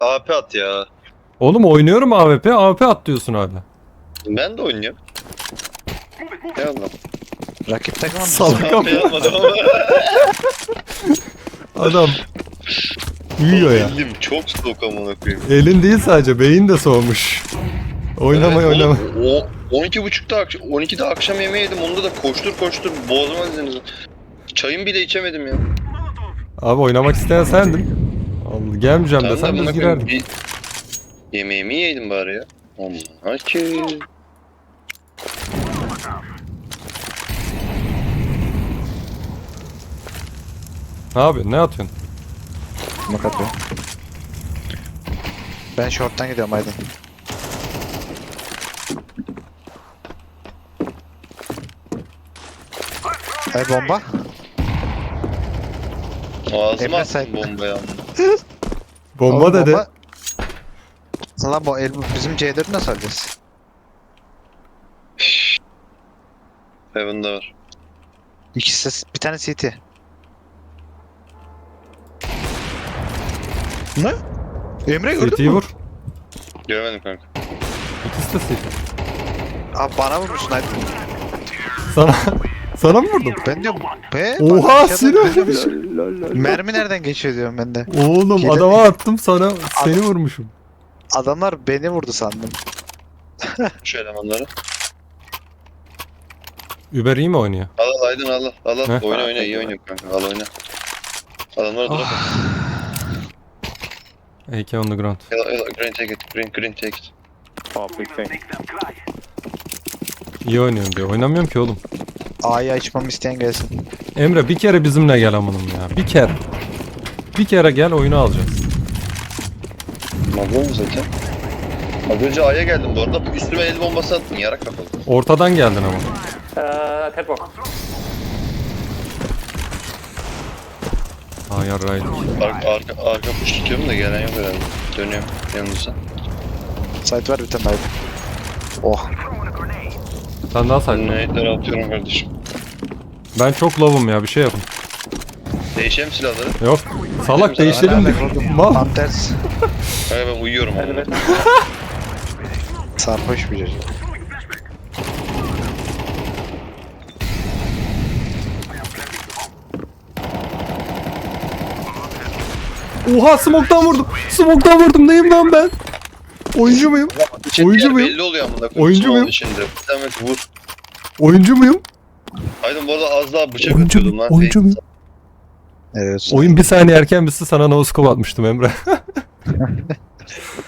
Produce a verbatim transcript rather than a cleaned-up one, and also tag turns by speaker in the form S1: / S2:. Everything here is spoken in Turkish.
S1: A P at ya.
S2: Oğlum oynuyorum A W P. A W P at diyorsun hala.
S1: Ben de oynuyorum. Eyvallah.
S3: Rakip takımın
S2: Salak.
S1: A P almadım ama.
S2: Adam uyuyor ya.
S1: Elim çok soğuk amına koyayım.
S2: Elin değil sadece beyin de soğumuş. Oynama
S1: Evet,
S2: oynama.
S1: oğlum, O on iki buçukta akşam on ikide akşam yemeği yedim. Onda da koştur koştur bozmadınız. Çayımı bile içemedim ya.
S2: Abi oynamak isteyen sendin. Allah, gelmeyeceğim
S1: Tamam da
S2: desen biz
S1: buna koyayım,
S2: girerdik.
S1: bir yemeğimi yedim bari ya. Aman ki.
S2: Ne yapıyorsun? Ne atıyorsun?
S3: smoke atıyor. Ben short'tan gidiyorum Aydın. Ay bomba.
S1: Ağzıma
S3: Emre
S1: attım
S3: Said.
S1: bombayı ama.
S2: Bomba
S3: Oğlum,
S2: dedi.
S3: Lan bu el bizim C dört'ü nasıl alacağız?
S1: Heaven'da var.
S3: İkisi bir tane C T. Ne? Emre gördün
S2: C T'yi
S3: mü?
S2: vur.
S1: Göremedim kanka.
S2: İkisi de C T.
S3: Abi bana vurmuşsun Aydın.
S2: Sana sana mı vurdum?
S3: Ben diyorum be.
S2: Oha,
S3: bak, aşağıdan
S2: Sinan.
S3: ben diyorum, Mermi nereden geçiyor diyorum ben de.
S2: Oğlum
S3: Hile-
S2: adama attım sana seni vurmuşum.
S3: Adamlar beni vurdu sandım.
S1: Şu elemanları.
S2: Uber iyi mi oynuyor?
S1: Al al Aydın al al. Al al.
S2: Heh.
S1: Oyna oyna iyi oynuyor kanka. Al oyna. Adamlara drop at.
S2: A K on the ground.
S1: Al al green take it. Green green take it.
S4: Oh, big thing.
S2: İyi oynuyorum diyor. Oynamıyorum ki oğlum.
S3: A'yı açmamı isteyen gelsin.
S2: Emre bir kere bizimle gel amanım ya. Bir kere. Bir kere gel oyunu alacağız.
S1: Mazlum mu zaten? Az önce A'ya geldim bu arada. Üstüme el bombası attın. Yarak kapalı.
S2: Ortadan geldin ama.
S4: Uh, headbox.
S2: Aa yarraydık.
S1: Arka, arka, arka push tutuyorum da gelen yok herhalde. Dönüyorum yanınıza.
S3: Site var bir tane Aydın. Oh.
S2: Sen daha saydın.
S1: Nade'leri atıyorum kardeşim.
S2: Ben çok lovum ya bir şey yapın.
S1: Değişelim silahları.
S2: Yok. Salak değiştirelim de. Mal.
S3: Tam ters.
S1: Kanka ben uyuyorum ama.
S4: Elevator.
S3: Sarhoş bir çocuk.
S2: Oha smoke'tan vurdum. Smoke'tan vurdum. Neyim lan ben? Oyuncu muyum?
S1: İçin
S2: Oyuncu
S1: yer
S2: muyum?
S1: belli oluyor amına koyayım.
S2: Oyuncu
S1: Smoke'un
S2: muyum?
S1: içinde. Bir tane vur.
S2: Oyuncu muyum?
S1: Aydın bu arada az daha bıçak
S2: Oyuncu
S1: atıyordum
S2: muyum?
S1: lan.
S2: Oyuncu muyum?
S3: Evet.
S2: Oyun bir saniye erken bitse sana no scope atmıştım Emre.